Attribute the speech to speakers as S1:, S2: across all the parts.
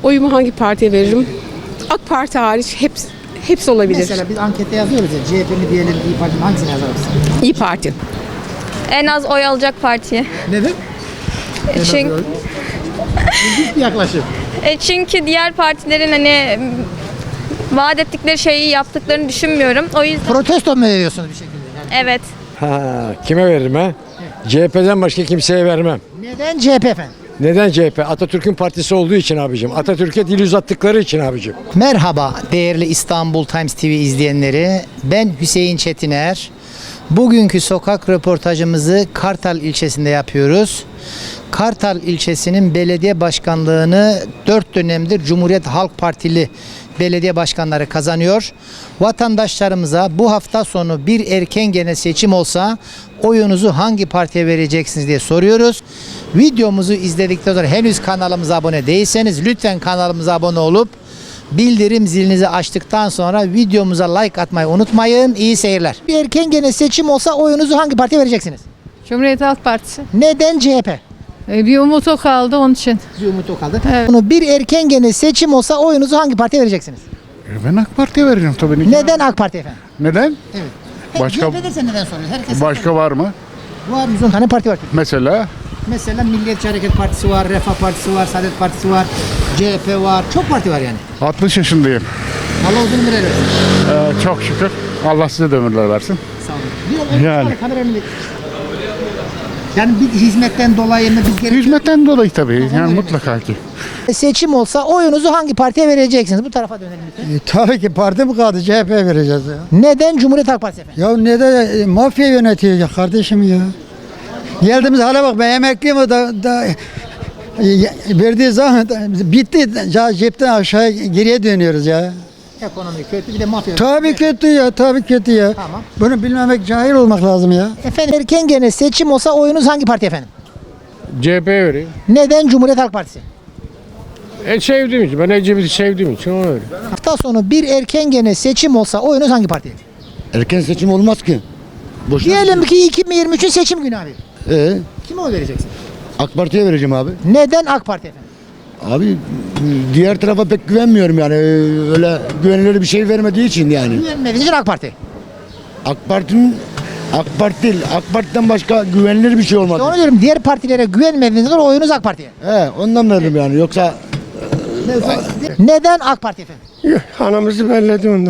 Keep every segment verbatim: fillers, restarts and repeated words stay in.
S1: Oyumu hangi partiye veririm? AK Parti hariç hepsi, hepsi olabilir.
S2: Mesela biz ankette yazıyoruz ya, C H P mi diyelim, İYİ Parti mi, hangisini yazarız?
S1: İyi Parti.
S3: En az oy alacak partiye.
S2: Neden?
S3: E, çünkü,
S2: İlginç bir yaklaşım.
S3: e, çünkü diğer partilerin hani m, vaat ettikleri şeyi yaptıklarını düşünmüyorum. O yüzden
S2: Protesto mu veriyorsunuz bir şekilde? Yani
S3: evet.
S4: Ha, kime veririm ha? C H P'den başka kimseye vermem.
S2: neden C H P efendim?
S4: Neden C H P? Atatürk'ün partisi olduğu için abicim. Atatürk'e dil uzattıkları için abicim.
S2: Merhaba değerli İstanbul Times T V izleyenleri. Ben Hüseyin Çetiner. Bugünkü sokak röportajımızı Kartal ilçesinde yapıyoruz. Kartal ilçesinin belediye başkanlığını dört dönemdir Cumhuriyet Halk Partili belediye başkanları kazanıyor. Vatandaşlarımıza bu hafta sonu bir erken genel seçim olsa oyunuzu hangi partiye vereceksiniz diye soruyoruz. Videomuzu izledikten sonra henüz kanalımıza abone değilseniz lütfen kanalımıza abone olup bildirim zilinizi açtıktan sonra videomuza like atmayı unutmayın. İyi seyirler. Bir erken genel seçim olsa oyunuzu hangi partiye vereceksiniz?
S5: Cumhuriyet Halk Partisi.
S2: Neden C H P?
S5: E, bir umut o kaldı onun için.
S2: Bir umut o kaldı.
S5: Evet.
S2: Bunu bir erken genel seçim olsa oyunuzu hangi partiye vereceksiniz?
S6: Ben AK Parti'ye veririm tabii. ki.
S2: Neden AK Parti efendim?
S6: Neden?
S2: Evet.
S6: Başka-
S2: C H P dersen neden soruyoruz? Herkes
S6: Başka var mı?
S2: var. yüz on tane parti var.
S6: Mesela
S2: Mesela Milliyetçi Hareket Partisi var, Refah Partisi var, Saadet Partisi var, C H P var. Çok parti var yani.
S6: altmış yaşındayım.
S2: Allah uzun ömür versin.
S6: Ee, çok şükür. Allah size de ömürler versin.
S2: Sağ olun. Bir
S6: Yani.
S2: yani. Kamera önünde. Yani bir hizmetten dolayı mı biz gerek
S6: Hizmetten dolayı tabii. Yani
S2: öyle.
S6: mutlaka ki.
S2: seçim olsa oyunuzu hangi partiye vereceksiniz? Bu tarafa dönelim lütfen.
S7: E, tabii ki parti mi kaldı? C H P vereceğiz ya.
S2: Neden Cumhuriyet Halk Partisi efendim?
S7: Ya neden e, mafya yönetiyor ya kardeşim ya. Geldiğimiz hale bak, ben emekliyim o da, da e, verdiği zaman da, bitti. Ya cepten aşağı geriye dönüyoruz ya.
S2: Ekonomi kötü, bir de mafya.
S7: Tabii kötü ya, tabii kötü ya.
S2: Tamam.
S7: Bunu bilmemek, cahil olmak lazım ya.
S2: Efendim erken gene seçim olsa oyunuz hangi parti efendim?
S4: C H P'ye vereyim.
S2: Neden Cumhuriyet Halk Partisi?
S4: E sevdiğim için. Ben Ecevit'i sevdiğim için ona veririm.
S2: Hafta sonu bir erken gene seçim olsa oyunuz hangi partiye?
S8: Erken seçim olmaz ki. Boşuna
S2: Diyelim ki iki bin yirmi üçün seçim günü abi.
S8: Ee,
S2: Kime oy vereceksin?
S8: AK Parti'ye vereceğim abi.
S2: Neden AK Parti efendim?
S8: Abi diğer tarafa pek güvenmiyorum yani. Ee, Öyle güvenilir bir şey vermediği için yani.
S2: Güvenmediğiniz için AK Parti.
S8: AK Parti'nin AK Parti değil. AK Parti'den başka güvenilir bir şey olmadı.
S2: Onu diyorum, diğer partilere güvenmediğiniz için oyunuz AK Parti'ye.
S8: He, ondan veririm yani. Yoksa
S2: Neden AK Parti efendim?
S4: Anamızı belledi ondan.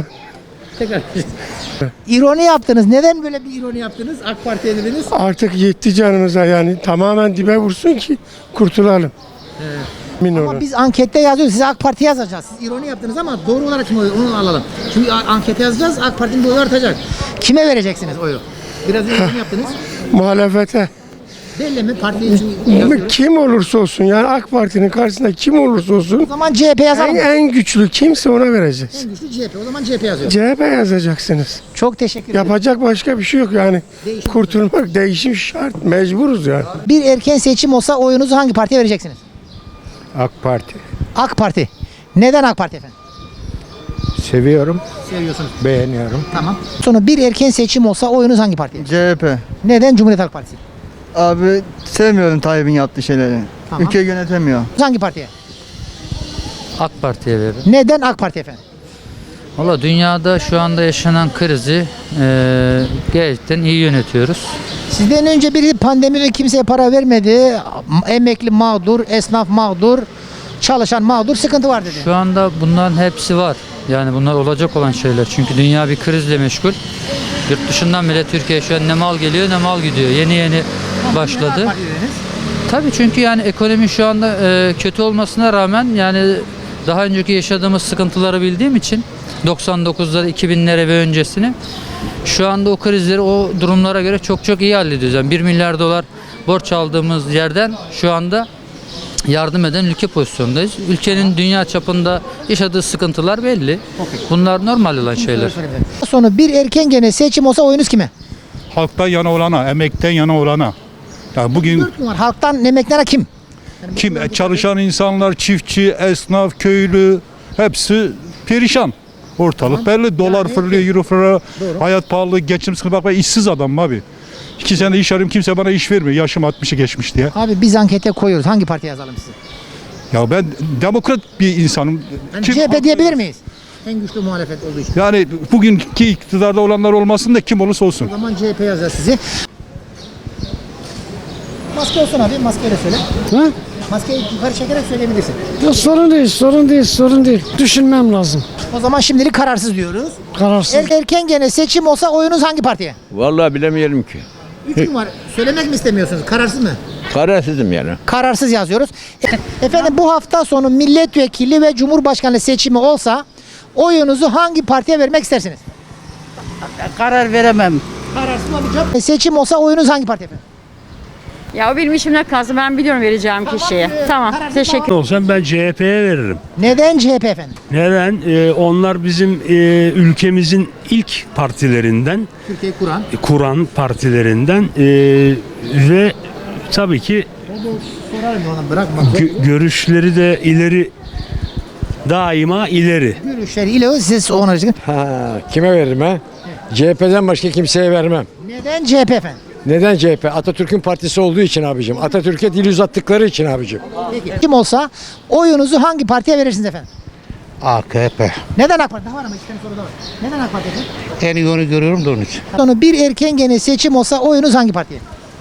S2: İroni yaptınız. Neden böyle bir ironi yaptınız? AK Parti'ye dediniz.
S4: Artık yetti canımıza yani. Tamamen dibe vursun ki kurtulalım. Min
S2: Ama
S4: olun.
S2: biz ankette yazıyoruz. Size AK Parti yazacağız. Siz ironi yaptınız ama doğru olarak kim oy? Onu alalım. Çünkü a- ankete yazacağız. AK Parti'nin boyu artacak. Kime vereceksiniz oyu? Biraz ironi yaptınız.
S4: Muhalefete.
S2: Belli mi? Parti için yazıyoruz.
S4: Kim olursa olsun yani AK Parti'nin karşısında kim olursa
S2: O
S4: olsun
S2: zaman C H P yazalım.
S4: en, en güçlü kimse ona vereceğiz.
S2: En güçlü C H P. O zaman C H P yazıyor.
S4: C H P yazacaksınız.
S2: Çok teşekkür ederim.
S4: Yapacak başka bir şey yok yani.
S2: Değişim.
S4: Kurtulmak, değişim şart. Mecburuz yani.
S2: Bir erken seçim olsa oyunuzu hangi partiye vereceksiniz?
S4: AK Parti.
S2: AK Parti. Neden AK Parti efendim?
S4: Seviyorum,
S2: Seviyorsunuz.
S4: beğeniyorum.
S2: Tamam. Sonra bir erken seçim olsa oyunuz hangi partiye?
S9: C H P.
S2: Neden Cumhuriyet Halk Partisi?
S9: Abi sevmiyorum Tayyip'in yaptığı şeyleri.
S2: Tamam.
S9: Ülkeyi yönetemiyor.
S2: Hangi partiye?
S10: AK Parti'ye veririm.
S2: Neden AK Parti efendim?
S10: Valla dünyada şu anda yaşanan krizi eee gerçekten iyi yönetiyoruz.
S2: Sizden önce biri pandemide kimseye para vermedi. Emekli mağdur, esnaf mağdur, çalışan mağdur, sıkıntı var dedi.
S10: Şu anda bunların hepsi var. Yani bunlar olacak olan şeyler. Çünkü dünya bir krizle meşgul. Yurt dışından bile Türkiye şu an ne mal geliyor ne mal gidiyor. Yeni yeni başladı. Tabii çünkü yani ekonomi şu anda eee, kötü olmasına rağmen yani daha önceki yaşadığımız sıkıntıları bildiğim için doksan dokuzları iki binlere ve öncesini şu anda o krizleri o durumlara göre çok çok iyi hallediyoruz. Yani bir milyar dolar borç aldığımız yerden şu anda yardım eden ülke pozisyondayız. Ülkenin dünya çapında yaşadığı sıkıntılar belli. Bunlar normal olan şeyler.
S2: Sonra bir erken gene seçim olsa oyunuz kime?
S6: Halktan yana olana, emekten yana olana. Yani bugün
S2: Dört gün var. Halktan emeklilere kim?
S6: kim çalışan insanlar, çiftçi, esnaf, köylü hepsi perişan. Ortalık belli. Dolar fırlıyor, euro fırlıyor. Hayat pahalı, geçim sıkıntı. Bak ben işsiz adamım abi. İki sene iş arıyorum, kimse bana iş vermiyor. Yaşım altmışı geçmiş diye.
S2: Abi biz ankete koyuyoruz. Hangi partiye yazalım sizi?
S6: Ya ben demokrat bir insanım.
S2: Yani
S6: Kim-
S2: C H P diyebilir miyiz? En güçlü muhalefet olduğu için.
S6: Yani bugünkü iktidarda olanlar olmasın da kim olursa olsun.
S2: O zaman C H P yazacağız sizi. Maske olsun abi, maskeyle söyle.
S4: Ha?
S2: Maskeyi yukarı çekerek söyleyebilirsin.
S4: Ya sorun değil, sorun değil, sorun değil. Düşünmem lazım.
S2: O zaman şimdilik kararsız diyoruz.
S4: Kararsız.
S2: Er- erken gene seçim olsa oyunuz hangi partiye?
S11: Vallahi bilemeyelim ki.
S2: Üç gün var. Söylemek mi istemiyorsunuz? Kararsız mı?
S11: Kararsızım yani.
S2: Kararsız yazıyoruz. E- Efendim bu hafta sonu milletvekili ve cumhurbaşkanlığı seçimi olsa oyunuzu hangi partiye vermek istersiniz?
S9: Karar veremem.
S2: Kararsız olacak. E, seçim olsa oyunuz hangi partiye efendim?
S5: Ya o benim işimden kalsın. Ben biliyorum vereceğim kişiye. Tamam.
S2: Kararsız
S5: Teşekkür
S12: Olsam ben C H P'ye veririm.
S2: Neden C H P efendim?
S12: Neden? Ee, onlar bizim e, ülkemizin ilk partilerinden,
S2: Türkiye'yi kuran.
S12: kuran partilerinden e, ve tabii ki
S2: Sorarım ona bırakma.
S12: gö- görüşleri de ileri, daima ileri.
S2: Görüşleri ile siz ona
S8: Ha, kime veririm ha? C H P'den başka kimseye vermem.
S2: Neden C H P efendim?
S8: Neden C H P? Atatürk'ün partisi olduğu için abicim. Atatürk'e dil uzattıkları için abicim.
S2: Peki. Kim olsa oyunuzu hangi partiye verirsiniz efendim?
S7: A K P.
S2: Neden AK Parti? Daha var ama iki tane soru daha var. Neden AK Parti efendim?
S7: En iyi onu görüyorum da onun için.
S2: Sonu bir erken gene seçim olsa oyunuz hangi partiye?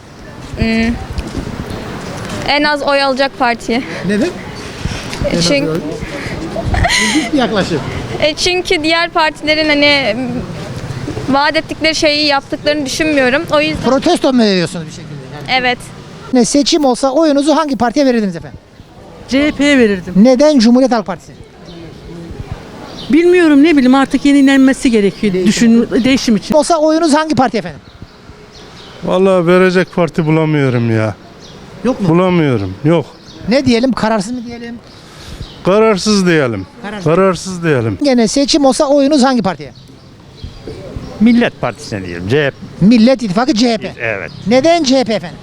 S3: En az oy alacak partiye.
S2: Neden?
S3: E, Çünkü,
S2: Bir yaklaşım.
S3: e, çünkü diğer partilerin hani vaat ettikleri şeyi yaptıklarını düşünmüyorum. O yüzden
S2: Protesto mu veriyorsunuz bir şekilde? Yani
S3: evet.
S2: ne seçim olsa oyunuzu hangi partiye verirdiniz efendim?
S5: C H P'ye verirdim.
S2: Neden Cumhuriyet Halk Partisi?
S5: Bilmiyorum ne bileyim artık yenilenmesi gerekiyor. Düşün, değişim için.
S2: Olsa oyunuz hangi parti efendim?
S6: Vallahi verecek parti bulamıyorum ya.
S2: Yok mu?
S6: Bulamıyorum. Yok.
S2: Ne diyelim? Kararsız mı diyelim?
S6: Kararsız diyelim.
S2: Kararsız.
S6: Kararsız diyelim.
S2: Gene seçim olsa oyunuz hangi partiye?
S12: Millet Partisi'ne diyelim. C H P.
S2: Millet İttifakı C H P.
S12: Evet.
S2: Neden C H P efendim?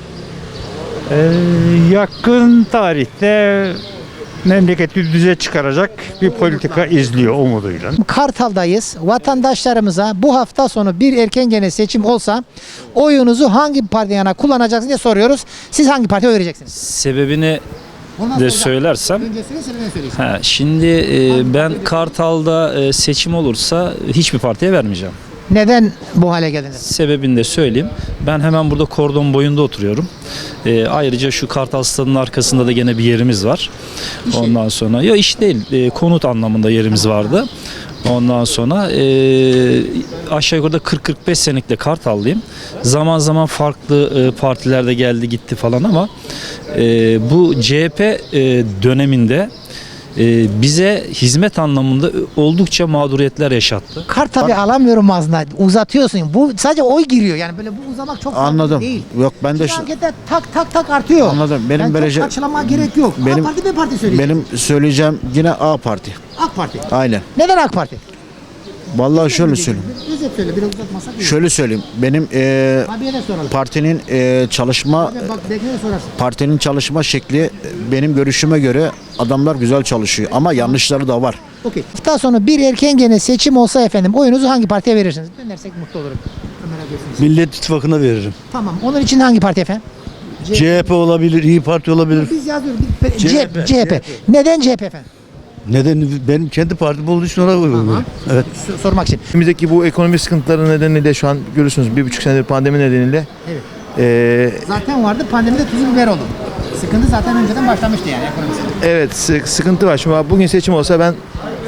S12: yakın tarihte memleketi düze çıkaracak bir politika izliyor umuduyla.
S2: Kartal'dayız. Vatandaşlarımıza bu hafta sonu bir erken gene seçim olsa oyunuzu hangi partiye yana kullanacaksınız diye soruyoruz. Siz hangi partiye oy vereceksiniz?
S11: Sebebini
S2: Ondan
S11: de
S2: sonra-
S11: söylersem.
S2: Önce söyle, sebebini söyleyeyim.
S11: Ha, şimdi e, ben Kartal'da e, seçim olursa hiçbir partiye vermeyeceğim.
S2: Neden bu hale geldiniz?
S11: Sebebini de söyleyeyim. Ben hemen burada kordon boyunda oturuyorum. E, ayrıca şu Kartal Stadı'nın arkasında da gene bir yerimiz var. Ondan sonra ya iş değil, e, konut anlamında yerimiz vardı. Ondan sonra e, aşağı yukarıda kırk kırk beş senelik de Kartallıyım. Zaman zaman farklı e, partilerde geldi gitti falan ama e, bu C H P e, döneminde e, bize hizmet anlamında oldukça mağduriyetler yaşattı.
S2: Kart tabi alamıyorum ağzına. Uzatıyorsun. Bu sadece oy giriyor. Yani böyle bu uzamak çok sağlıklı
S7: Anladım.
S2: değil.
S7: Yok ben de
S2: Bir
S7: şu,
S2: harekette tak tak tak artıyor.
S7: Anladım. Benim
S2: yani
S7: böylece-
S2: çok karşılama gerek yok.
S7: Benim-
S2: A Parti B Parti söyleyecek.
S7: benim söyleyeceğim yine A Parti.
S2: AK Parti.
S7: Aynen.
S2: Neden AK Parti?
S7: Vallahi şöyle söyleyeyim.
S2: Özet söyle biraz uzatmasak iyi.
S7: Şöyle söyleyeyim. Benim e,
S2: Abiye de soralım.
S7: partinin e, çalışma
S2: Bak bekleye sorarsın.
S7: partinin çalışma şekli e, benim görüşüme göre adamlar güzel çalışıyor ama yanlışları da var.
S2: Okey. Hafta sonu bir erken gene seçim olsa efendim oyunuzu hangi partiye verirsiniz? Dönersek mutlu olurum. Ömer abi diyorsunuz.
S12: Millet İttifakı'na veririm.
S2: Tamam. Onun için hangi parti efendim?
S12: C H P olabilir, İyi Parti olabilir.
S2: Biz yazıyoruz. Bir- C
S12: C
S2: H
S12: H
S2: P.
S12: P.
S2: C H P. Neden C H P efendim?
S12: Neden? Benim kendi partim olduğu için ona veriyorum. Evet.
S2: S- sormak için.
S9: Önümüzdeki bu ekonomi sıkıntıları nedeniyle şu an görüyorsunuz bir buçuk senedir pandemi nedeniyle
S2: Evet.
S9: eee,
S2: Zaten vardı. Pandemide tuzu biber oldu. Sıkıntı zaten önceden başlamıştı yani ekonomisi.
S9: evet sı- sıkıntı var. Şimdi bugün seçim olsa ben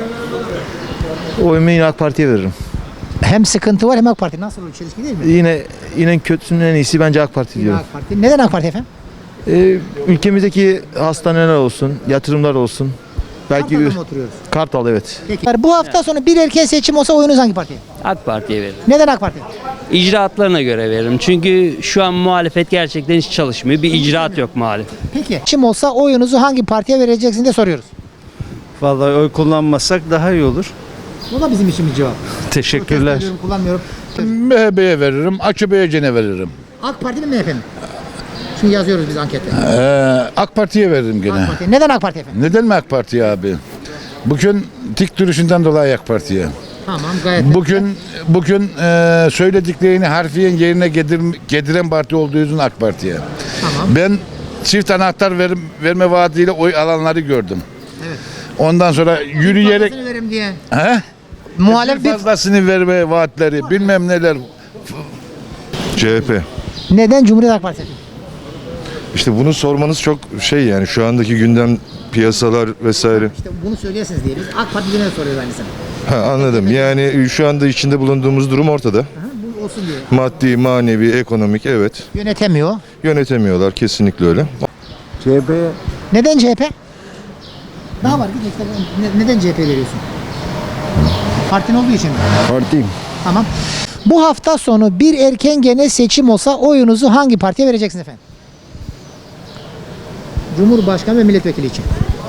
S9: oyumu yine AK Parti'ye veririm.
S2: Hem sıkıntı var hem AK Parti. Nasıl olur? Çelişki değil mi?
S9: Yine yine kötüsünün en iyisi bence AK Parti
S2: Yine
S9: diyorum.
S2: AK Parti. Neden AK Parti efendim?
S9: Eee, ülkemizdeki hastaneler olsun, yatırımlar olsun. Belki
S2: Kartal'da mı oturuyoruz?
S9: Kartal evet.
S2: Peki. Bu hafta sonu bir erken seçim olsa oyunuz hangi partiye?
S10: AK Parti'ye veririm.
S2: Neden AK Parti?
S10: İcraatlarına göre veririm. Çünkü şu an muhalefet gerçekten hiç çalışmıyor. Bir icraat yok muhalefet.
S2: Peki. Seçim olsa oyunuzu hangi partiye vereceksiniz diye soruyoruz.
S12: Vallahi oy kullanmasak daha iyi olur.
S2: Bu da bizim için bir cevap.
S12: Teşekkürler.
S2: Protesto ediyorum, kullanmıyorum.
S6: M H P'ye veririm, A K P'ye gene veririm.
S2: AK Parti mi M H P mi? Şimdi yazıyoruz biz ankette.
S6: Ee, AK Parti'ye veririm gene.
S2: AK Parti. Neden AK Parti efendim?
S6: Neden mi AK Parti abi? Bugün dik duruşundan dolayı AK Parti'ye.
S2: Tamam gayet.
S6: Bugün bugün e, söylediklerini harfiyen yerine gedir, getiren parti olduğu için AK Parti'ye.
S2: Tamam.
S6: Ben
S13: çift anahtar verim, verme vaadiyle oy alanları gördüm.
S2: Evet.
S13: Ondan sonra yürüyerek
S2: Fazlasını verim diye.
S13: he?
S2: Muhalefet
S13: Bir fazlasını verme vaatleri bilmem neler.
S14: C H P.
S2: neden Cumhuriyet Halk Partisi?
S14: İşte bunu sormanız çok şey yani şu andaki gündem piyasalar vesaire.
S2: İşte bunu söyleyesiniz diye biz AK Parti'ye soruyoruz aynısını.
S14: Ha, anladım. Yani şu anda içinde bulunduğumuz durum ortada.
S2: Aha, bu olsun diye.
S14: Maddi, manevi, ekonomik evet.
S2: Yönetemiyor.
S14: Yönetemiyorlar kesinlikle öyle.
S8: C H P
S2: Neden C H P? Daha var. Bir dakika. Ne- Neden C H P veriyorsun? Partin olduğu için mi?
S8: partiyim.
S2: Tamam. Bu hafta sonu bir erken genel seçim olsa oyunuzu hangi partiye vereceksiniz efendim? Cumhurbaşkanı ve milletvekili için.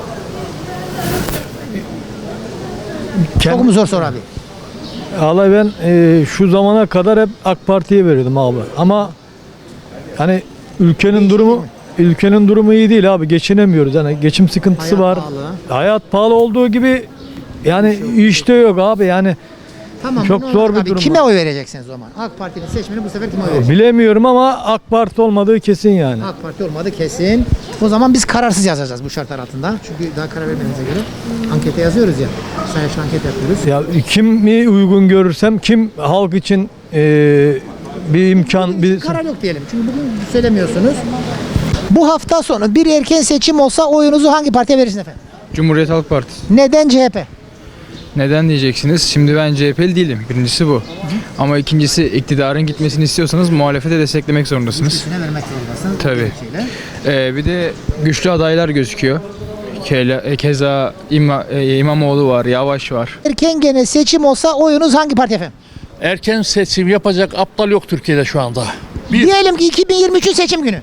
S2: Çok mu zor soru abi?
S12: Vallahi ben e, şu zamana kadar hep AK Parti'ye veriyordum abi. Ama hani ülkenin durumu ülkenin durumu iyi değil abi. Geçinemiyoruz. Yani geçim sıkıntısı
S2: Hayat
S12: var.
S2: pahalı.
S12: Hayat pahalı olduğu gibi yani işte yok abi. Yani
S2: Tamam.
S12: Çok
S2: bunu
S12: zor bir
S2: abi,
S12: durum
S2: Kime
S12: var.
S2: oy vereceksiniz o zaman? AK Parti'nin seçmeni bu sefer kime oy verecek?
S12: bilemiyorum ama AK Parti olmadığı kesin yani.
S2: AK Parti olmadı kesin. O zaman biz kararsız yazacağız bu şartlar altında. Çünkü daha karar vermediğimize göre ankete yazıyoruz ya. Sayaçlı anket yapıyoruz.
S12: Ya kim mi uygun görürsem kim halk için e, bir imkan bir
S2: Karar yok diyelim. Çünkü bugün söylemiyorsunuz. Bu hafta sonu bir erken seçim olsa oyunuzu hangi partiye verirsiniz efendim?
S10: Cumhuriyet Halk Partisi.
S2: Neden C H P?
S10: Neden diyeceksiniz? Şimdi ben C H P'li değilim. Birincisi bu. Ama ikincisi iktidarın gitmesini istiyorsanız muhalefete desteklemek zorundasınız.
S2: Üstüne vermek zorundasın.
S10: Tabii.
S2: Gerekçeyle.
S10: Ee, bir de güçlü adaylar gözüküyor. Kela- Keza İma, e, İmamoğlu var, Yavaş var.
S2: Erken genel seçim olsa oyunuz hangi parti efendim?
S11: Erken seçim yapacak aptal yok Türkiye'de şu anda. Bir-
S2: Diyelim ki iki bin yirmi üçün seçim günü.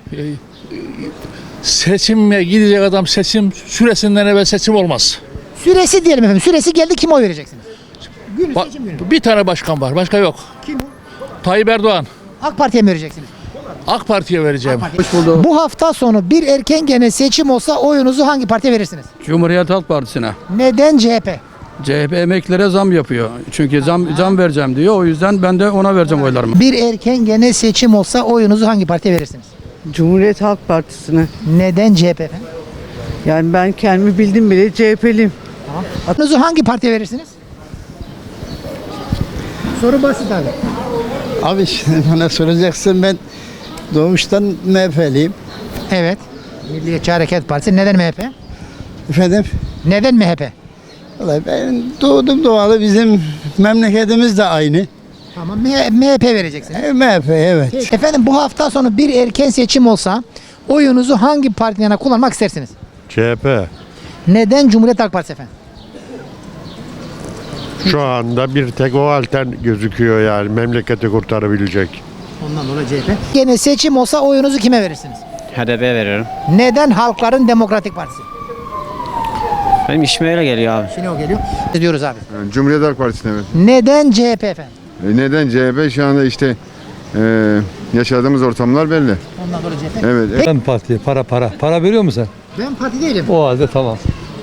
S11: Seçime gidecek adam seçim süresinden evvel seçim olmaz.
S2: Süresi diyelim efendim. Süresi geldi, kime oy vereceksiniz? Günü
S11: Ba-
S2: seçim günü.
S11: Bir tane başkan var, başka yok.
S2: Kim o?
S11: Tayyip Erdoğan.
S2: AK Parti'ye mi vereceksiniz?
S11: AK Parti'ye vereceğim.
S2: Bu hafta sonu bir erken genel seçim olsa oyunuzu hangi partiye verirsiniz?
S10: Cumhuriyet Halk Partisi'ne.
S2: Neden C H P?
S10: C H P emeklilere zam yapıyor. Çünkü zam zam vereceğim diyor. O yüzden ben de ona vereceğim oylarımı.
S2: Bir erken genel seçim olsa oyunuzu hangi partiye verirsiniz?
S1: Cumhuriyet Halk Partisi'ne.
S2: Neden C H P efendim?
S1: Yani ben kendimi bildim bile C H P'liyim.
S2: Oyunuzu hangi partiye verirsiniz? Soru basit abi.
S7: Abi şimdi bana soracaksın, ben doğuştan M H P'liyim.
S2: Evet. Milliyetçi Hareket Partisi. Neden M H P?
S7: Efendim?
S2: Neden M H P?
S7: Vallahi ben doğdum doğalı, bizim memleketimiz de aynı.
S2: Tamam. M H P vereceksiniz.
S7: E, M H P evet.
S2: Peki. Efendim bu hafta sonu bir erken seçim olsa oyunuzu hangi partinin yana kullanmak istersiniz?
S6: C H P.
S2: Neden Cumhuriyet Halk Partisi efendim?
S6: Şu anda bir tek o altern gözüküyor yani memleketi kurtarabilecek.
S2: Ondan dolayı C H P. Yine seçim olsa oyunuzu kime verirsiniz?
S10: H D P veriyorum.
S2: Neden Halkların Demokratik Partisi?
S10: Benim işime öyle geliyor abi.
S2: Şimdi o geliyor. Ne diyoruz abi?
S14: Cumhuriyet Halk Partisi'ne evet.
S2: Neden C H P efendim?
S14: Neden C H P? Şu anda işte e, yaşadığımız ortamlar belli.
S2: Ondan dolayı C H P.
S14: Evet.
S12: Ben partiye para para. Para veriyor musun sen?
S2: Ben parti değilim.
S12: O halde tamam.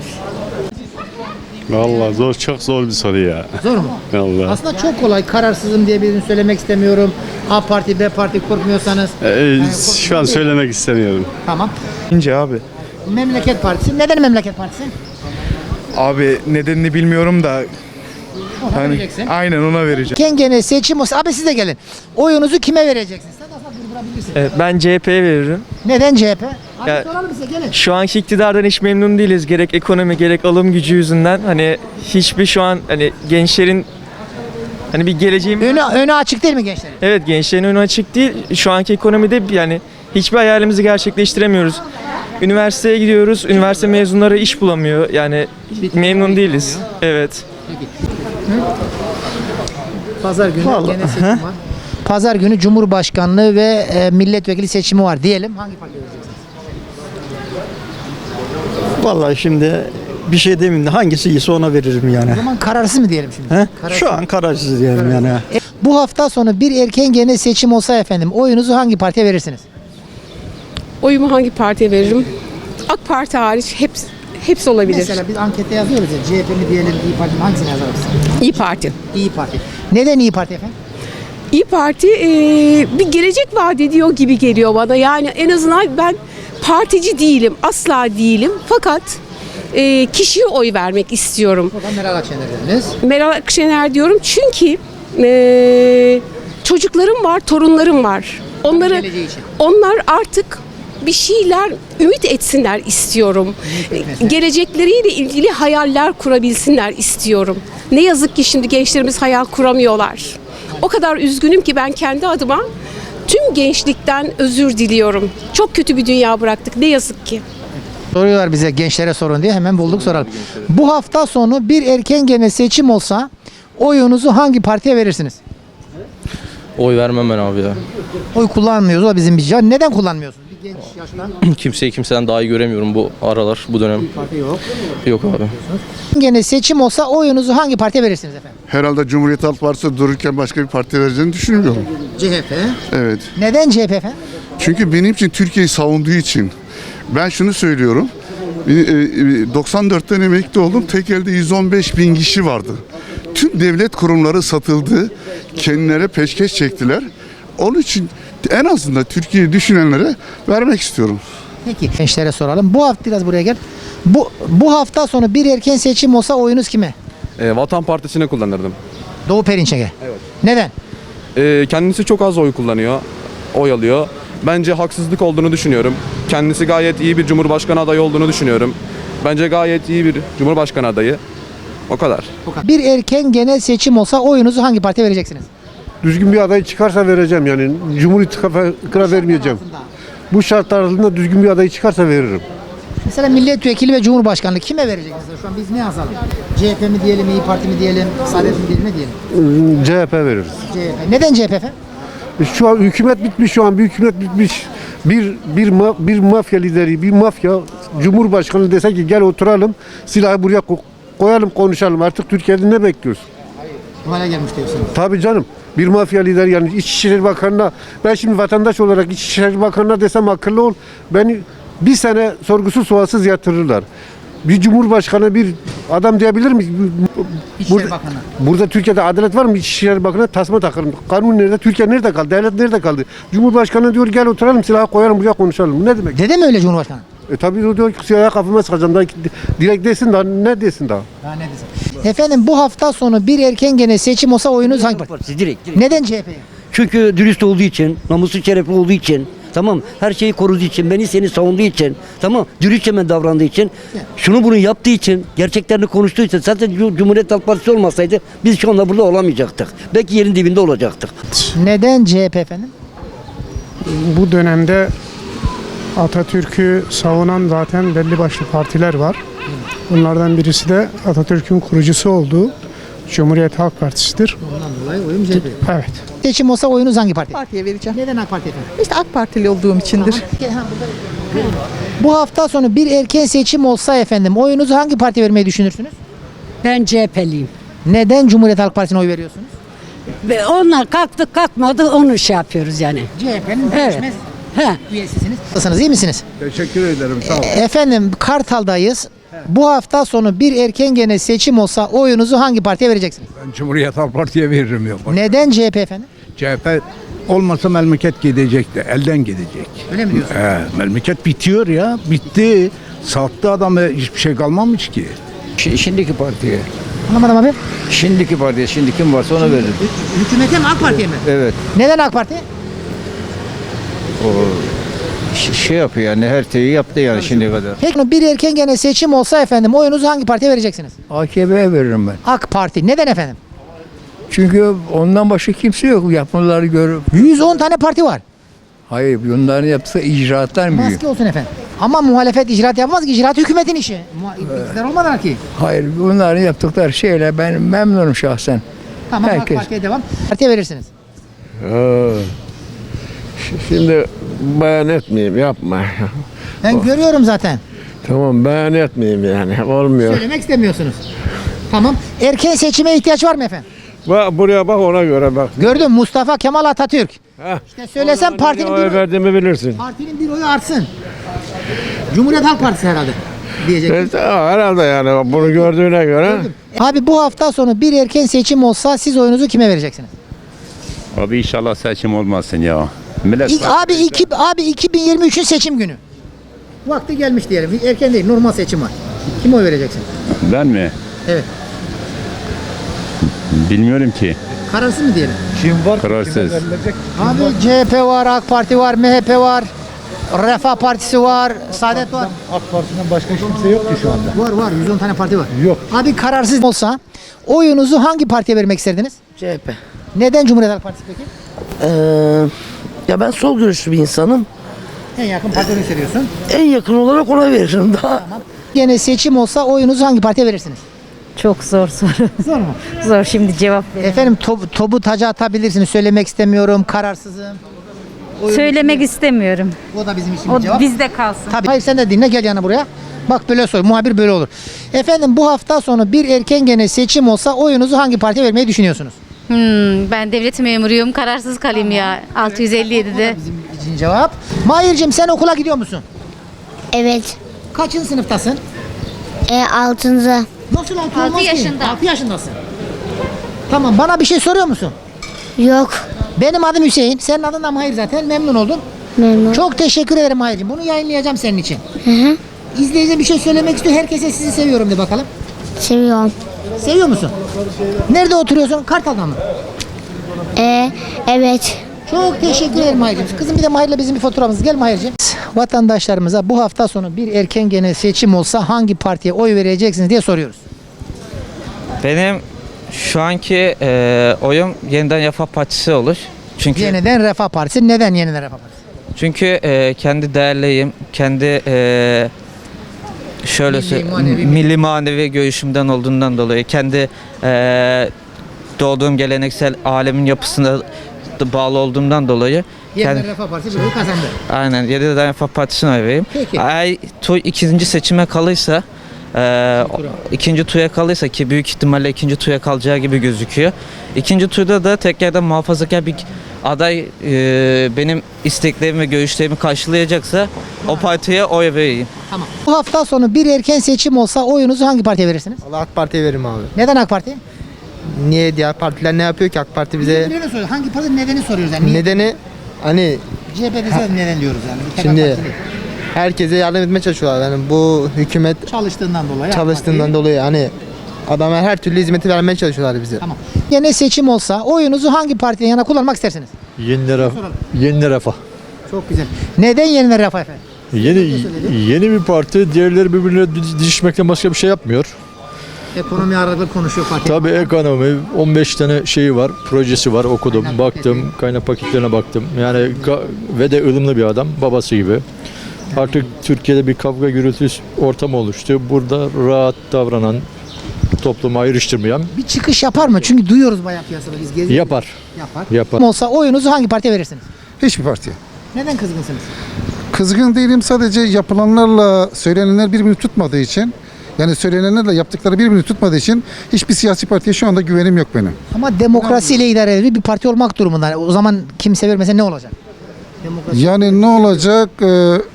S6: Vallahi zor, çok zor bir soru ya.
S2: Zor mu?
S6: Vallahi.
S2: Aslında çok kolay. Kararsızım diye birini söylemek istemiyorum. A parti, B parti korkmuyorsanız.
S6: şu an söylemek istemiyorum.
S2: Tamam.
S9: İnce abi.
S2: Memleket Partisi. Neden Memleket Partisi?
S9: Abi nedenini bilmiyorum da
S2: Ona vereceksin.
S9: aynen ona vereceğim.
S2: Erken genel seçim olsa. Abi siz de gelin. Oyunuzu kime vereceksiniz? Sen de aslında durdurabilirsin.
S10: Ben C H P'ye veririm.
S2: Neden C H P? Abi
S10: Ya-
S2: soralım size, gelin.
S10: Şu anki iktidardan hiç memnun değiliz. Gerek ekonomi gerek alım gücü yüzünden. Hani hiçbir şu an hani gençlerin hani bir geleceğim
S2: Önü, önü açık değil mi gençlerin?
S10: Evet, gençlerin önü açık değil. Şu anki ekonomide yani hiçbir hayalimizi gerçekleştiremiyoruz. Üniversiteye gidiyoruz. Üniversite mezunları iş bulamıyor. Yani memnun değiliz. Evet.
S2: Pazar günü genel seçim var. Pazar günü Cumhurbaşkanlığı ve e, milletvekili seçimi var diyelim. Hangi partiye vereceksiniz?
S7: Vallahi şimdi bir şey demeyeyim de hangisi iyiyse ona veririm yani.
S2: O zaman kararsız mı diyelim şimdi?
S7: He?
S2: Kararsız.
S7: Şu an kararsız diyelim yani.
S2: E, bu hafta sonu bir erken genel seçim olsa efendim oyunuzu hangi partiye verirsiniz?
S1: Oyumu hangi partiye veririm? AK Parti hariç hepsi, hepsi olabilir.
S2: Mesela biz ankette yazıyoruz ya, C H P mi diyelim, İYİ Parti mi, hangisini yazarız?
S1: İyi Parti.
S2: İYİ Parti. Neden İYİ Parti efendim?
S1: İyi Parti e, bir gelecek vaat ediyor gibi geliyor bana. Yani en azından ben partici değilim, asla değilim. Fakat e, kişiye oy vermek istiyorum.
S2: Buradan Meral Akşener dediniz.
S1: Meral Akşener diyorum çünkü e, çocuklarım var, torunlarım var. Onları,
S2: geleceği için.
S1: onlar artık bir şeyler ümit etsinler istiyorum.
S2: etmesin.
S1: Gelecekleriyle ilgili hayaller kurabilsinler istiyorum. Ne yazık ki şimdi gençlerimiz hayal kuramıyorlar. O kadar üzgünüm ki ben kendi adıma tüm gençlikten özür diliyorum. Çok kötü bir dünya bıraktık ne yazık ki.
S2: Soruyorlar bize gençlere sorun diye, hemen bulduk soralım. Bu hafta sonu bir erken genel seçim olsa oyunuzu hangi partiye verirsiniz?
S15: Oy vermem ben abi ya.
S2: Oy kullanmıyoruz, o bizim bir şey. Neden kullanmıyorsunuz? Bir genç yaştan.
S15: Kimseyi kimseden daha iyi göremiyorum bu aralar, bu dönem.
S2: Parti yok.
S15: Yok abi.
S2: Genel seçim olsa oyunuzu hangi partiye verirsiniz efendim?
S14: Herhalde Cumhuriyet Halk Partisi dururken başka bir parti vereceğini düşünmüyorum.
S2: C H P.
S14: Evet.
S2: Neden C H P efendim?
S14: Çünkü benim için Türkiye'yi savunduğu için. Ben şunu söylüyorum. doksan dörtten emekli oldum. Tek elde yüz on beş bin kişi vardı. Tüm devlet kurumları satıldı. Kendilerine peşkeş çektiler. Onun için en azından Türkiye'yi düşünenlere vermek istiyorum.
S2: Peki. Gençlere soralım. Bu hafta biraz buraya gel. Bu bu hafta sonu bir erken seçim olsa oyunuz kime?
S15: E, Vatan Partisi'ne kullanırdım.
S2: Doğu Perinçek'e.
S15: Evet.
S2: Neden?
S15: E, kendisi çok az oy kullanıyor, oy alıyor. Bence haksızlık olduğunu düşünüyorum. Kendisi gayet iyi bir Cumhurbaşkanı adayı olduğunu düşünüyorum. Bence gayet iyi bir Cumhurbaşkanı adayı. O kadar.
S2: Bir erken genel seçim olsa oyunuzu hangi partiye vereceksiniz?
S12: Düzgün bir aday çıkarsa vereceğim yani. Cumhur İttifakı'na vermeyeceğim. Bu şartlar altında düzgün bir aday çıkarsa veririm.
S2: Mesela milletvekili ve cumhurbaşkanlığı kime vereceksiniz? Şu an biz ne yazalım? C H P mi diyelim, İyi Parti mi diyelim, Saadet mi diyelim, ne diyelim?
S12: C H P veririz.
S2: C H P. Neden C H P efendim?
S12: Şu an hükümet bitmiş, şu an bir hükümet bitmiş. Bir bir ma- bir mafya lideri, bir mafya cumhurbaşkanı dese ki gel oturalım, silahı buraya ko- koyalım, konuşalım. Artık Türkiye'de ne bekliyoruz?
S2: Bu hale gelmiş diyorsunuz.
S12: Tabii canım. Bir mafya lideri yani İçişleri Bakanı'na, ben şimdi vatandaş olarak İçişleri Bakanı'na desem akıllı ol, beni bir sene sorgusuz sualsız yatırırlar. Bir cumhurbaşkanı bir adam diyebilir mi?
S2: İçişleri Bakanı.
S12: Burada Türkiye'de adalet var mı? İçişleri Bakanı tasma takarım. Kanun nerede? Türkiye nerede kaldı? Devlet nerede kaldı? Cumhurbaşkanı diyor gel oturalım silahı koyalım buraya konuşalım. Ne demek?
S2: Dede mi öyle Cumhurbaşkanı?
S12: E tabii o diyor ki silahı kafama sıkacağım. Daha, direkt desin daha ne desin daha?
S2: Daha ne desin? Efendim bu hafta sonu bir erken genel seçim olsa oyunuz hangi parti?
S16: Direkt, direkt.
S2: Neden C H P'ye?
S16: Çünkü dürüst olduğu için, namuslu şerefli olduğu için, tamam, her şeyi koruduğu için, beni seni savunduğu için, tamam, dürüstçe ben davrandığı için, şunu bunu yaptığı için, gerçeklerini konuştuğu için, zaten Cumhuriyet Halk Partisi olmasaydı biz şu anda burada olamayacaktık. Belki yerin dibinde olacaktık.
S2: Neden C H P efendim?
S4: Bu dönemde Atatürk'ü savunan zaten belli başlı partiler var. Bunlardan birisi de Atatürk'ün kurucusu olduğu Cumhuriyet Halk Partisi'dir.
S2: Ondan dolayı oyum C H P.
S4: Evet.
S2: Seçim olsa oyunuz hangi parti?
S17: Partiye vereceğim.
S2: Neden AK Parti efendim?
S17: İşte AK Partili olduğum içindir.
S2: Tamam. Bu hafta sonu bir erken seçim olsa efendim oyunuzu hangi partiye vermeyi düşünürsünüz?
S5: Ben C H P'liyim.
S2: Neden Cumhuriyet Halk Partisi'ne oy veriyorsunuz?
S5: Ve onlar kalktı kalkmadı onu şey yapıyoruz yani.
S2: C H P'nin
S5: Evet.
S2: değişmez
S5: He.
S2: üyesisiniz. Nasılsınız, iyi misiniz?
S12: Teşekkür ederim. Sağ olun.
S2: Efendim Kartal'dayız. Bu hafta sonu bir erken genel seçim olsa oyunuzu hangi partiye vereceksiniz?
S12: Ben Cumhuriyet Halk Parti'ye veririm yok.
S2: Neden C H P efendim?
S12: C H P olmasa memleket gidecekti. Elden gidecek.
S2: Öyle mi diyorsun?
S12: He, memleket bitiyor ya. Bitti. Sattı adamı hiçbir şey kalmamış ki.
S16: Şimdiki partiye.
S2: Anlamadım abi.
S16: Şimdiki partiye, şimdi kim varsa ona veririm.
S2: Hükümete mi AK Parti'ye mi?
S16: Evet.
S2: Neden AK Parti?
S16: O şey yapıyor yani her şeyi yaptı yani şimdiye kadar.
S2: Peki bir erken genel seçim olsa efendim oyunuzu hangi partiye vereceksiniz?
S12: A K P'ye veririm ben.
S2: AK Parti. Neden efendim?
S12: Çünkü ondan başka kimse yok. Yapmaları görüp.
S2: yüz on tane parti var.
S12: Hayır bunların yaptığı icraatlar mı?
S2: Maske olsun efendim. Ama muhalefet icraat yapmaz ki. İcraat hükümetin işi. Muha- İktidar olmadan ki.
S12: Hayır bunların yaptıkları şeyle ben memnunum şahsen.
S2: Tamam
S12: Herkes.
S2: AK Parti'ye devam. Partiye verirsiniz.
S12: Şimdi beyan etmeyeyim yapma.
S2: Ben görüyorum zaten.
S12: Tamam beyan etmeyeyim yani olmuyor.
S2: Söylemek istemiyorsunuz. Tamam. Erken seçime ihtiyaç var mı efendim?
S12: Bak buraya bak ona göre bak.
S2: Gördüm Mustafa Kemal Atatürk.
S12: Heh.
S2: İşte söylesem partinin bir, oy,
S12: verdiğimi bilirsin.
S2: partinin bir oyu artsın. Cumhuriyet Halk Partisi herhalde diyecek.
S12: Herhalde yani bunu gördüğüne göre.
S2: Abi bu hafta sonu bir erken seçim olsa siz oyunuzu kime vereceksiniz?
S13: Abi inşallah seçim olmasın ya. Millet
S2: İlk, abi iki, abi iki bin yirmi üçün seçim günü. Vakti gelmiş diyelim. Erken değil, normal seçim var. Kime oy vereceksin?
S17: Ben mi?
S2: Evet.
S17: Bilmiyorum ki.
S2: Kararsız mı diyelim?
S17: Kim var? Kararsız.
S2: Abi C H P var, AK Parti var, M H P var, Refah Partisi var, Saadet var.
S12: AK Parti'den başka kimse yok ki şu anda.
S2: Var var, yüz on tane parti var.
S12: Yok.
S2: Abi kararsız olsa oyunuzu hangi partiye vermek isterdiniz?
S18: C H P.
S2: Neden Cumhuriyet Halk Partisi peki?
S18: Ee, ya ben sol görüşlü bir insanım.
S2: En yakın partini seviyorsun.
S18: En yakın olarak ona veririm daha.
S2: Tamam. Gene seçim olsa oyunuzu hangi partiye verirsiniz?
S5: Çok zor soru.
S2: Zor mu?
S5: Zor şimdi cevap ver.
S2: Efendim top, topu taca atabilirsiniz. Söylemek istemiyorum. Kararsızım. Oyunuz
S5: Söylemek
S2: kimi?
S5: istemiyorum.
S2: O da bizim için
S5: O
S2: bir cevap.
S5: bizde kalsın.
S2: Tabii. Hayır sen de dinle gel yana buraya. Bak böyle soy. Muhabir böyle olur. Efendim bu hafta sonu bir erken gene seçim olsa oyunuzu hangi partiye vermeyi düşünüyorsunuz?
S5: Hmm, ben devlet memuruyum. Kararsız kalayım ya. altı yüz elli yedide.
S2: Bizim için cevap. Mahir'cim sen okula gidiyor musun?
S19: Evet.
S2: Kaçıncı sınıftasın?
S19: E, altıncı.
S2: Nasıl altı
S19: Altı
S2: olmaz ki?
S19: yaşında.
S2: altı yaşındasın. Tamam bana bir şey soruyor musun?
S19: Yok.
S2: Benim adım Hüseyin. Senin adın da Mahir zaten. Memnun oldum.
S19: Memnun.
S2: Çok teşekkür ederim Mahir'cim. Bunu yayınlayacağım senin için.
S19: Hı hı.
S2: İzleyici bir şey söylemek istiyor. Herkese sizi seviyorum de bakalım.
S19: Seviyorum.
S2: Seviyor musun? Nerede oturuyorsun? Kartal'da mı?
S19: E, evet.
S2: Çok teşekkür ederim Mahir'cim. Kızım bir de Mahir'le bizim bir fotoğrafımız. Gel Mahir'cim. Vatandaşlarımıza bu hafta sonu bir erken gene seçim olsa hangi partiye oy vereceksiniz diye soruyoruz.
S20: Benim şu anki e, oyum Yeniden Refah Partisi olur. Çünkü
S2: Yeniden Refah Partisi. Neden Yeniden Refah Partisi?
S20: çünkü e, kendi değerliyim, kendi e, şöyle
S2: Milli,
S20: sö-
S2: manevi-
S20: milli manevi görüşümden olduğundan dolayı, kendi e, doğduğum geleneksel alemin yapısına da bağlı olduğumdan dolayı
S2: Yeniden
S20: kendi,
S2: Refah Partisi bir oy kazandı.
S20: aynen Yeniden Refah Partisi'ne oy vereyim.
S2: Peki.
S20: Eğer tu, ikinci seçime kalırsa e, ikinci tura kalırsa ki büyük ihtimalle ikinci tura kalacağı gibi gözüküyor. İkinci turda da tekrardan muhafazakar bir aday e, benim isteklerimi ve görüşlerimi karşılayacaksa o partiye oy vereyim.
S2: Tamam. Bu hafta sonu bir erken seçim olsa oyunuzu hangi partiye verirsiniz?
S21: Allah AK Parti'ye veririm abi.
S2: Neden AK Parti?
S21: Niye diğer partiler ne yapıyor ki AK Parti bize?
S2: Birbirine soruyor. Hangi parti nedeni soruyoruz yani. Niye?
S21: Nedeni hani
S2: C H P dese neden diyoruz yani. Bir tek AK
S21: şimdi
S2: Parti değil.
S21: herkese yardım etmeye çalışıyorlar. Yani bu hükümet
S2: Çalıştığından dolayı. AK
S21: çalıştığından
S2: Parti.
S21: dolayı hani adamlar her türlü hizmeti vermeye çalışıyorlar bize.
S2: Tamam. Yine seçim olsa oyunuzu hangi partiden yana kullanmak istersiniz?
S12: Yeni refah. Yeni refah.
S2: Çok güzel. Neden Yeniden Refah efendim?
S12: Yeni yeni bir parti diğerleri birbirine didişmekten başka bir şey yapmıyor.
S2: Ekonomi ağırlıklı konuşuyor parti.
S12: Tabii ekonomi on beş tane şeyi var, projesi var okudum,
S2: Kaynak
S12: baktım,
S2: paketi.
S12: kaynak paketlerine baktım. Yani ga- ve de ılımlı bir adam, babası gibi. Artık Türkiye'de bir kavga gürültü ortamı oluştu. Burada rahat davranan, toplumu ayrıştırmayan
S2: Bir çıkış yapar mı? Çünkü duyuyoruz bayağı piyasada biz geziyoruz.
S12: yapar.
S2: Yapar.
S12: Yapar.
S2: Olsa oyunuzu hangi partiye verirsiniz?
S22: Hiçbir partiye.
S2: Neden kızgınsınız?
S22: Kızgın değilim, sadece yapılanlarla söylenenler birbirini tutmadığı için, yani söylenenlerle yaptıkları birbirini tutmadığı için hiçbir siyasi partiye şu anda güvenim yok benim.
S2: Ama demokrasiyle idare edilir bir parti olmak durumunda. O zaman kimse vermese ne olacak? Demokrasi.
S22: Yani ne olacak? Ee,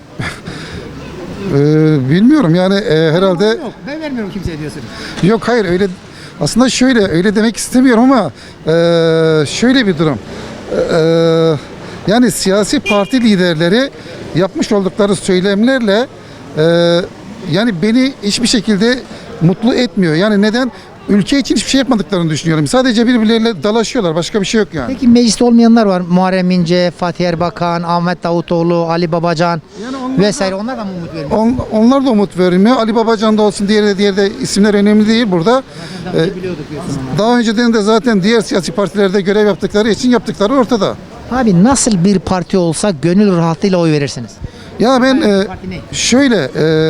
S22: e, bilmiyorum yani e, herhalde
S2: Yok, ben vermiyorum kimseye diyorsunuz.
S22: yok hayır öyle aslında şöyle öyle demek istemiyorum ama e, şöyle bir durum. E, yani siyasi parti liderleri yapmış oldukları söylemlerle e, yani beni hiçbir şekilde mutlu etmiyor. Yani neden? Ülke için hiçbir şey yapmadıklarını düşünüyorum. Sadece birbirleriyle dalaşıyorlar. Başka bir şey yok yani.
S2: Peki mecliste olmayanlar var. Muharrem İnce, Fatih Erbakan, Ahmet Davutoğlu, Ali Babacan vesaire. Onlar da mı umut vermiyor?
S22: On, onlar da umut vermiyor. Ali Babacan da olsun, diğeri de, diğeri de isimler önemli değil burada. Ee, daha önceden de zaten diğer siyasi partilerde görev yaptıkları için yaptıkları ortada.
S2: Abi nasıl bir parti olsa gönül rahatlığıyla oy verirsiniz?
S22: Ya ben e,
S2: Parti ne?
S22: şöyle e,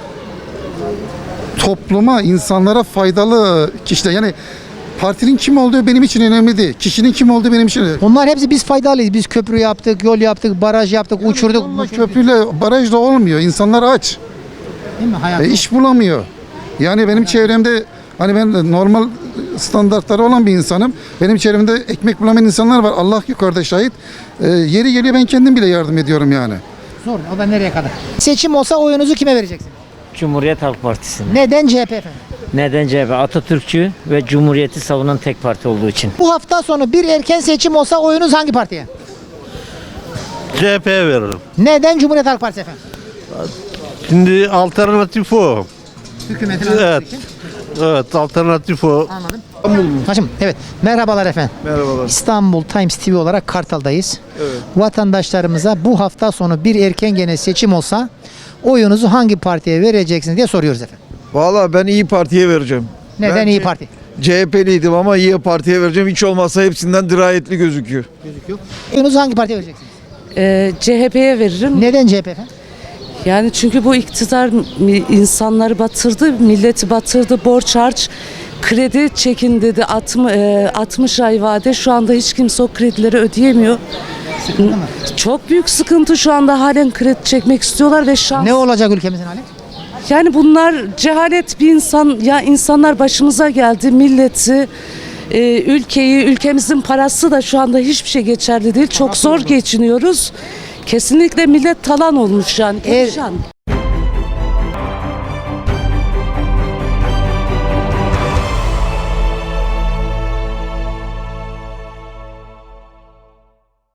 S22: topluma, insanlara faydalı kişiler, yani partinin kim olduğu benim için önemli değil. Kişinin kim olduğu benim için önemli.
S2: Onlar hepsi biz faydalıyız. Biz köprü yaptık, yol yaptık, baraj yaptık, uçurduk.
S22: Yolla, köprüyle, barajla olmuyor. İnsanlar aç.
S2: Değil mi? Hayat
S22: E, iş bulamıyor. Yani benim çevremde hani ben normal standartları olan bir insanım. Benim çevremde ekmek bulamayan insanlar var. Allah yukarıda şahit. E, yeri geliyor ben kendim bile yardım ediyorum yani.
S2: Zor. O da nereye kadar? Seçim olsa oyunuzu kime vereceksiniz?
S23: Cumhuriyet Halk Partisi'ne.
S2: Neden C H P efendim?
S23: Neden C H P? Atatürkçü ve Cumhuriyeti savunan tek parti olduğu için.
S2: Bu hafta sonu bir erken seçim olsa oyunuz hangi partiye?
S24: C H P'ye veririm.
S2: Neden Cumhuriyet Halk Partisi efendim?
S12: Şimdi alternatif o.
S2: Hükümetin
S12: Evet.
S2: alması için.
S12: Evet, alternatif o.
S2: Anladım. Hacım, evet. Merhabalar efendim.
S12: Merhabalar.
S2: İstanbul Times T V olarak Kartal'dayız.
S12: Evet.
S2: Vatandaşlarımıza bu hafta sonu bir erken gene seçim olsa oyunuzu hangi partiye vereceksiniz diye soruyoruz efendim.
S3: Valla ben İyi Parti'ye vereceğim.
S2: Neden
S3: Ben
S2: İyi
S3: C-
S2: Parti?
S3: C H P'liydim ama İyi Parti'ye vereceğim. Hiç olmazsa hepsinden dirayetli gözüküyor.
S2: Gözüküyor. Oyunuzu hangi partiye vereceksiniz?
S8: Ee, C H P'ye veririm.
S2: Neden C H P efendim?
S8: Yani çünkü bu iktidar mi- insanları batırdı, milleti batırdı, borç harç, kredi çekin dedi, altmış, altmış ay vade. Şu anda hiç kimse o kredileri ödeyemiyor.
S2: Sıkıntı mı?
S8: Çok büyük sıkıntı, şu anda halen kredi çekmek istiyorlar ve şans.
S2: Ne olacak ülkemizin hali?
S8: Yani bunlar cehalet bir insan, ya insanlar başımıza geldi, milleti, e, ülkeyi, ülkemizin parası da şu anda hiçbir şey geçerli değil. Çok zor geçiniyoruz. Kesinlikle millet talan olmuş yani.
S2: Eğer,
S8: perişan.